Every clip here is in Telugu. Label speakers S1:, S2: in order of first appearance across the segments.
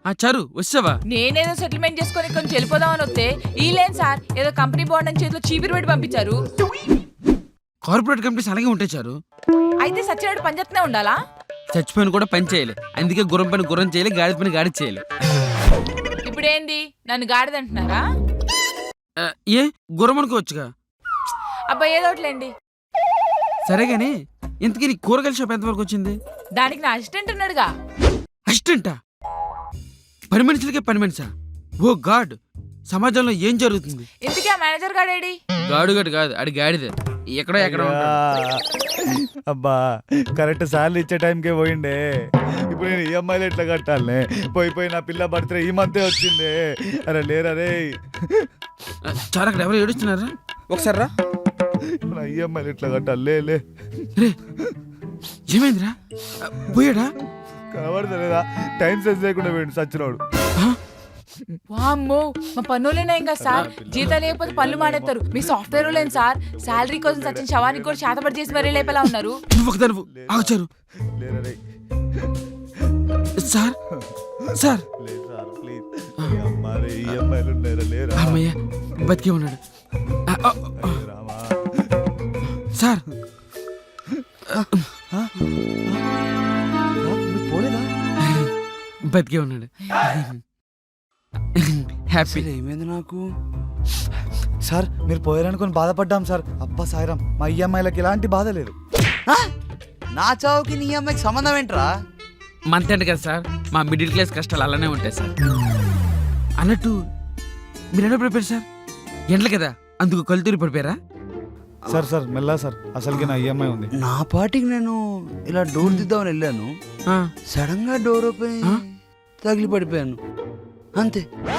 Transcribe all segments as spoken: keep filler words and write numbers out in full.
S1: ఆ చారు వచ్చావా?
S2: నేనేదో సెటిల్మెంట్ చేసుకొని కొంచెం వెళ్ళిపోదామని వస్తే ఈ లేని సార్ ఏదో కంపెనీ బాండ్ అని చేతిలో చీపిరి పెట్టి పంపించారు.
S1: కార్పొరేట్ కంపెనీస్ అలాగే ఉంటాయి చారు.
S2: అయితే సచ్చినాడు పని చేస్తూనే ఉండాలా?
S1: చచ్చిపోయిన కూడా పని చేయాలి. అందుకే గుర్రం పని గుర్రం చేయాలి, గాడిద పని గాడి చేయాలి.
S2: ఇప్పుడు ఏంది నన్ను గాడిదంటున్నారా?
S1: ఏ గుర్రం అనుకోవచ్చుగా.
S2: అబ్బా ఏదోట్లేండి.
S1: సరే గాని ఇంతకీ నీ కూరగాయల షాప్ ఎంతవరకు వచ్చింది?
S2: దానికి నా అసిస్టెంట్ ఉన్నాడుగా.
S1: అసిస్టెంటా? పని మనుషులకే పని మనిషా? ఓ గాడ్, సమాజంలో ఏం జరుగుతుంది?
S2: ఇంతకీ ఆ మేనేజర్ గాడేడి?
S1: గాడుగడు కాదు, అడి గాడిదే. ఎక్కడో ఎక్కడ
S3: అబ్బా కరెక్ట్ సార్లు ఇచ్చే టైంకే పోయిండే. ఇప్పుడు నేను ఈఎంఐలు ఎట్లా కట్టాలనే? పోయి పోయి నా పిల్ల బర్త్డే ఈ మంతే వచ్చిందే. అరే లేరా రే.
S1: చాలా అక్కడ ఎవరు ఏడుస్తున్నారా? ఒకసారి రా.
S3: నా ఈఎంఐలు ఎట్లా కట్టాలి? లే లే
S1: రే ఏమైందిరా? పోయాడా?
S3: కనబడతలేదా? టైం సెన్స్ లేకుండా పోయిండు సచ్చినోడు.
S2: వామ్మో మా పన్నులేనా ఇంకా సార్, జీతం లేకపోతే పనులు మానేస్తారు. మీ సాఫ్ట్వేర్ లేని సార్ శాలరీ కోసం సచిన్ శవానికి కూడా చేతపడి చేసి మరీ లేపేలా ఉన్నారు.
S1: నువ్వు ఒకదాను ఆగుచారు.
S3: లేరా రే.
S1: సార్ సార్
S3: లే సార్ ప్లీజ్. అమ్మా రే ఈఎంఐలు ఉన్నారా? లేరా?
S1: అమ్మయ్య బతికే ఉన్నాడు.
S3: రామా
S1: సార్
S3: పోలేదా?
S1: బతికే ఉన్నాడు. హ్యాపీ.
S4: ఏమైంది నాకు?
S3: సార్ మీరు పోయారనుకొని బాధపడ్డాం సార్. అబ్బా సాయిరాం, మా ఈఎంఐలకి ఎలాంటి బాధ లేదు.
S4: నా చావుకి నీ అమ్మాయికి సంబంధం ఏంట్రా?
S1: మంత్ ఎండ్ కదా సార్, మా మిడిల్ క్లాస్ కష్టాలు అలానే ఉంటాయి సార్. అన్నట్టు మీరు ఎలా పడిపోయారు సార్? ఎండలు కదా అందుకు కలుతూరి పడిపోయారా?
S3: సార్ సార్ మెల్లా సార్, అసలుకి నా ఈఎంఐ ఉంది.
S4: నా పాటికి నేను ఇలా డోర్ దిద్దామని వెళ్ళాను. సడన్ గా డోర్ ఓపెన్ తగిలి పడిపోయాను అంతే.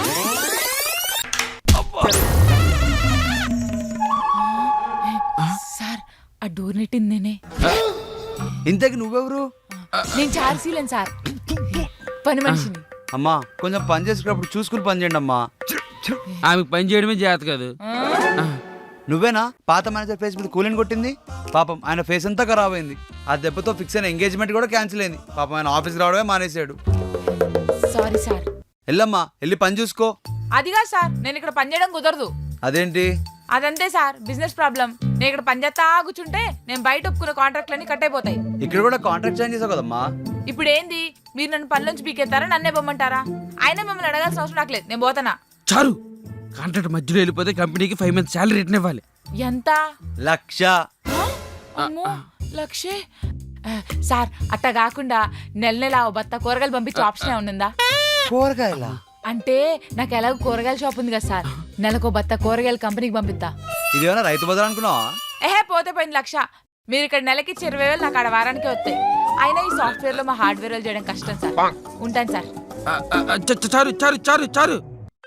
S2: సార్ ఆ డోర్ నెట్టిందేనే.
S4: ఇంతకి నువ్వెవరు?
S2: నేను చార్సీలేను సార్, పని మనిషిని.
S4: అమ్మా కొంచెం పని చేసుకున్నప్పుడు చూసుకుని పని చేయండి అమ్మా.
S1: ఆమెకు పని చేయడమే జాగ్రత్త కాదు.
S4: నువ్వేనా పాత మేనేజర్ ఫేస్ మీద కూలిని కొట్టింది? పాపం ఆయన ఫేస్ అంతా ఖరాబ్ అయింది. ఆ దెబ్బతో ఫిక్స్ అయిన ఎంగేజ్మెంట్ కూడా క్యాన్సిల్ అయింది. పాపం ఆయన ఆఫీస్కి రావడమే మానేశాడు.
S2: Sorry sir.
S4: వెళ్ళమ్మా వెళ్ళి పని చూసుకో.
S2: అదిగా సార్, నేను ఇక్కడ పని చేయడం కుదరదు.
S4: అదేంటి?
S2: అదంతే సార్, బిజినెస్ ప్రాబ్లం. నేను ఇక్కడ పని చేస్తా కూర్చుంటే నేను బయట ఒప్పుకున్న కాంట్రాక్ట్లన్నీ కట్ అయిపోతాయి.
S4: ఇక్కడ కూడా కాంట్రాక్ట్ చేంజ్ చేసావు కదమ్మా.
S2: ఇప్పుడు ఏంది, మీరు నన్ను పనిలోంచి పీకెత్తారా, నన్నే బొమ్మంటారా? అయినా మిమ్మల్ని అడగాల్సిన అవసరం నాకు లేదు, నేను పోతానా.
S1: చారు, కాంట్రాక్ట్ మధ్యలో వెళ్ళిపోతే కంపెనీకి ఫైవ్ మంత్స్ శాలరీ రిటర్న్ ఇవ్వాలి.
S2: ఎంత?
S4: లక్ష.
S2: అమ్మో లక్షే. సార్ అట్టా కాకుండా నెల నెల ఓ బత్త కూరగాయలు పంపించే ఆప్షన్ ఏమన్నా?
S4: కూరగాయల
S2: అంటే నాకు ఎలాగో కూరగాయల షాప్ ఉంది కదా సార్, నెలకు బత్త కూరగాయల కంపెనీకి పంపిస్తా.
S4: ఇదేమైనా రైతు బజార్ అనుకున్నావా?
S2: ఏహే పోతే పోయింది లక్ష. మీరు ఇక్కడ నెలకి ఇరవై వేలు నాకు ఆడ వారానికి వస్తాయి. అయినా ఈ సాఫ్ట్వేర్ లో మా హార్డ్వేర్ చేయడం కష్టం సార్. ఉంటాను సార్.
S1: చారు చారు చారు చారు.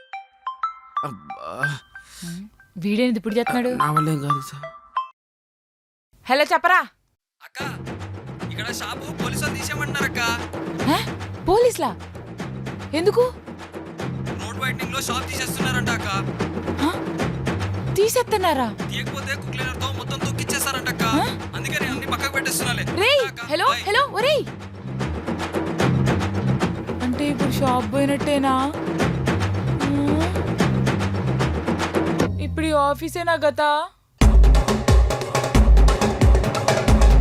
S2: వీడేంది ఇప్పుడు చెప్తున్నాడు?
S1: నా వల్ల ఏం కాదు సార్.
S2: హలో చెప్పరా.
S5: అక్క ఇక్కడ షాపు పోలీసులు తీసేయమంటున్నారక్క.
S2: పోలీసులా? ఎందుకు?
S5: రోడ్ వైడనింగ్ లో షాప్ తీసేస్తున్నారంట అక్క.
S2: తీసేస్తున్నారా?
S5: తీయకపోతే కుక్లీనర్ తో మొత్తం తొక్కిచ్చేస్తారంట అక్క. అందుకే నేను అన్ని పక్కకు పెట్టేస్తున్నాలే.
S2: రేయ్ హలో హలో ఒరేయ్, అంటే ఇప్పుడు షాప్ పోయినట్టేనా? ఇప్పుడు ఈ ఆఫీసేనా గతా?